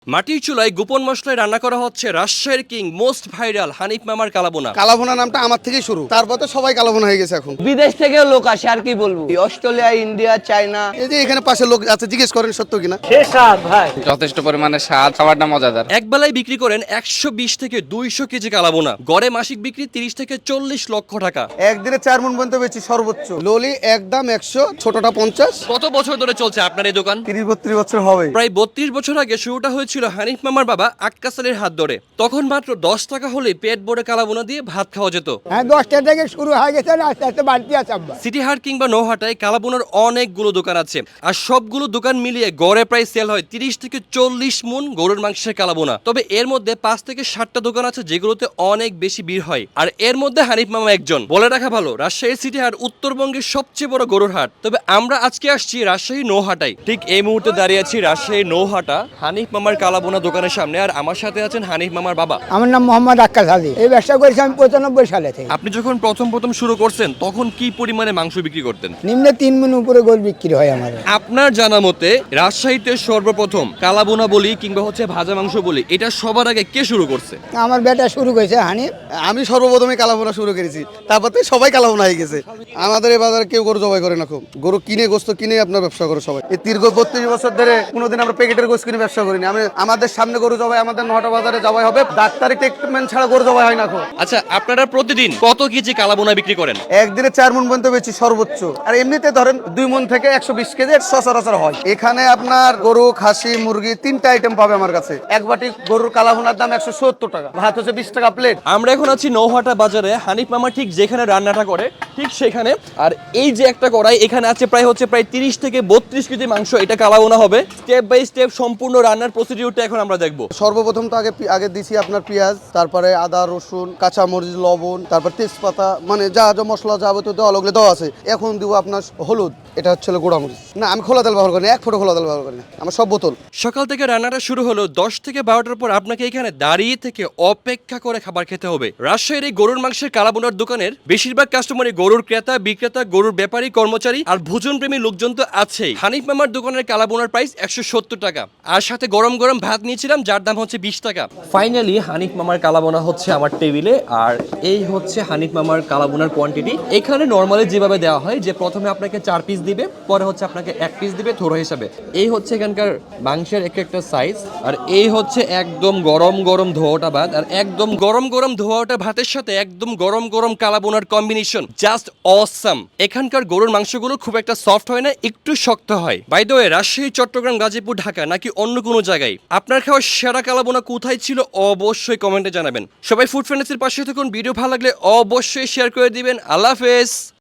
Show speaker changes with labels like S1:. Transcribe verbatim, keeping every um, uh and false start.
S1: মাটির চুলায় গোপন মশলায় রান্না করা হচ্ছে রাজশাহীর কিং মোস্ট ভাইরাল হানিফ মামার কালাবোনা।
S2: কালাভুনা নামটা আমার থেকেই শুরু, তারপর তো সবাই কালাভুনা হয়ে গেছে এখন।
S3: বিদেশ থেকেও লোক আসে, আর কি বলবো, অস্ট্রেলিয়া, ইন্ডিয়া, চায়না।
S2: এই যে এখানে পাশে লোক আছে, জিজ্ঞেস করেন সত্য কিনা।
S3: ভাই
S4: যথেষ্ট পরিমাণে স্বাদ, খাবারটা মজাদার।
S1: এক বেলায় বিক্রি করেন একশো বিশ থেকে দুইশো কেজি কালাবোনা। গড়ে মাসিক বিক্রি তিরিশ থেকে চল্লিশ লক্ষ টাকা।
S2: একদিনে চার মন পর্যন্ত বেশি সর্বোচ্চ। ললি একদম একশো, ছোটটা পঞ্চাশ।
S1: কত বছর ধরে চলছে আপনার এই দোকান?
S2: তিরিশ বত্রিশ বছর হবে।
S1: প্রায় বত্রিশ বছর আগে শুরুটা হয়েছিল হানিফ মামার বাবা আক্কাস আলীর হাত ধরে। তখন মাত্র দশ টাকা হলে পেট ভরে কালাবোনা দিয়ে ভাত খাওয়া যেত।
S5: হ্যাঁ, দশটা থেকে শুরু হয়ে গেছে, আস্তে আস্তে বাড়তি আছে। আব্বা
S1: সিটি হাট কিংবা নৌহাটায় কালাবোনার অনেকগুলো দোকান আছে, আর সবগুলো দোকান মিলিয়ে গড়ে প্রায় সেল হয় তিরিশ থেকে চল্লিশ মন গরুর মাংসের কালাবোনা। তবে এর মধ্যে পাঁচ থেকে ষাটটা দোকান আছে যেগুলোতে অনেক বেশি ভিড় হয়, আর এর মধ্যে হানিফ মামা একজন। বলে রাখা ভালো, রাজশাহী সিটি হাট উত্তরবঙ্গের সবচেয়ে বড় গরুর হাট। তবে আমরা আজকে আসছি রাজশাহী নৌহাটায়। ঠিক এই মুহূর্তে দাঁড়িয়ে আছি রাজশাহী নৌহাটা হানিফ মামার কালাবোনা দোকানের সামনে, আর আমার সাথে আছেন হানিফ মামার বাবা।
S5: আমার নাম মোহাম্মদ আক্কাস আলী। এই ব্যবসা করেছি আমি পঁচানব্বই সালে থেকে।
S1: আপনি যখন প্রথম প্রথম শুরু করছেন তখন কি পরিমাণে মাংস বিক্রি করতেন?
S5: নিম্নে তিন মন উপরে গোল বিক্রি হয় আমার।
S1: আপনার জানা মতে রাজশাহীতে সর্বপ্রথম কালাবোনা বলি কিংবা হচ্ছে ভাজা মাংস বলি, এটা সবার আগে কে শুরু করছে?
S5: আমার বেটা শুরু করেছে হানিফ।
S2: আমি সর্বপ্রথমে কালাভুনা শুরু করেছি, তারপর থেকে সবাই কালাভুনা হয়ে গেছে। আমাদের এই বাজারে কেউ গরু জবাই করে না, খুব গরু কিনে গোস্ত কিনে আপনার ব্যবসা করে সবাই। এই দীর্ঘ বত্রিশ বছর ধরে কোনোদিন আমরা প্যাকেটের গোস্ত কিনে ব্যবসা করিনি। আমি আমাদের সামনে গরু জবাই, আমাদের নটা বাজারে জবাই হবে, ডাক্তারি ট্রিটমেন্ট ছাড়া গরু জবাই হয় না। খুব
S1: আচ্ছা, আপনারা প্রতিদিন কত কেজি কালাবোনা বিক্রি করেন?
S2: একদিনে চার মন পর্যন্ত বেশি সর্বোচ্চ, আর এমনিতে ধরেন দুই মন থেকে একশো বিশ কেজি সচরাচর হয়। এখানে আপনার গরু, খাসি, মুরগি তিনটা আইটেম পাবে আমার কাছে। এক বাটি গরুর কালাভুনার দাম একশো সত্তর টাকা, ভাত হচ্ছে বিশ টাকা প্লেট।
S1: আমরা এখন আছি নৌহাটা বাজারে। হানিফ মামা ঠিক যেখানে রান্নাটা করে ঠিক সেখানে, আর এই যে একটা কড়াই, এখানে আছে প্রায় হচ্ছে প্রায় তিরিশ থেকে বত্রিশ কেজি মাংস। এটা কালাবোনা হবে। স্টেপ বাই স্টেপ সম্পূর্ণ রান্নার প্রসিডিউরটা এখন আমরা দেখবো।
S2: সর্বপ্রথম তো আগে আগে দিছি আপনার পেঁয়াজ, তারপরে আদা, রসুন, কাঁচা মরিচ, লবণ, তারপর তেজপাতা, মানে যা যা মশলা যাবতীয় দেওয়া লাগলে দেওয়া আছে। এখন দিব আপনার হলুদ, এটা হচ্ছে গোড়া মরিচ। না, আমি খোলা তেল ব্যবহার করি না, এক ফোঁটা খোলা তেল ব্যবহার করি না, আমার সব বোতল।
S1: সকাল থেকে রান্নাটা শুরু হলো, দশ থেকে বারোটার পর আপনাকে এখানে দাঁড়িয়ে থেকে অপেক্ষা করে খাবার খেতে হবে। রাজশাহীর এই গরুর মাংসের কালাবোনার দোকানের বেশিরভাগ কাস্টমারই গরুর ক্রেতা, বিক্রেতা, গরুর ব্যাপারী, কর্মচারী আর ভোজন প্রেমী লোকজন তো আছেই। হানিফ মামার দোকানের কালাবোনার প্রাইস একশো সত্তর টাকা, আর সাথে গরম গরম ভাত নিয়েছিলাম যার দাম হচ্ছে বিশ টাকা। ফাইনালি হানিফ মামার কালাবোনা হচ্ছে আমার টেবিলে, আর এই হচ্ছে হানিফ মামার কালাবোনার কোয়ান্টিটি। এখানে নর্মালি যেভাবে দেওয়া হয়, যে প্রথমে আপনাকে চার পিস দিবে, পরে হচ্ছে আপনাকে এক পিস দিবে থোড়া হিসাবে। এই হচ্ছে এখানকার মাংসের এক একটা সাইজ, আর এই হচ্ছে একদম গরম গরম ধোয়াটা ভাত, আর একদম গরম গরম ধোয়াটা ভাতের সাথে একদম গরম গরম কালাবোনার কম্বিনেশন জাস্ট অসাম। এখানকার গরুর মাংসগুলো খুব একটা সফট হয় না, একটু শক্ত হয়। By the way, Rajshahi, Chittagong, Gazipur, Dhaka নাকি অন্য কোনো জায়গায় আপনার খাওয়া সেরা কালাবোনা কোথায় ছিল অবশ্যই কমেন্টে জানাবেন। সবাই ফুড ফ্রেন্ডসের পাশে থাকুন। ভিডিও ভালো লাগলে অবশ্যই শেয়ার করে দিবেন। আল্লাহ হাফেজ।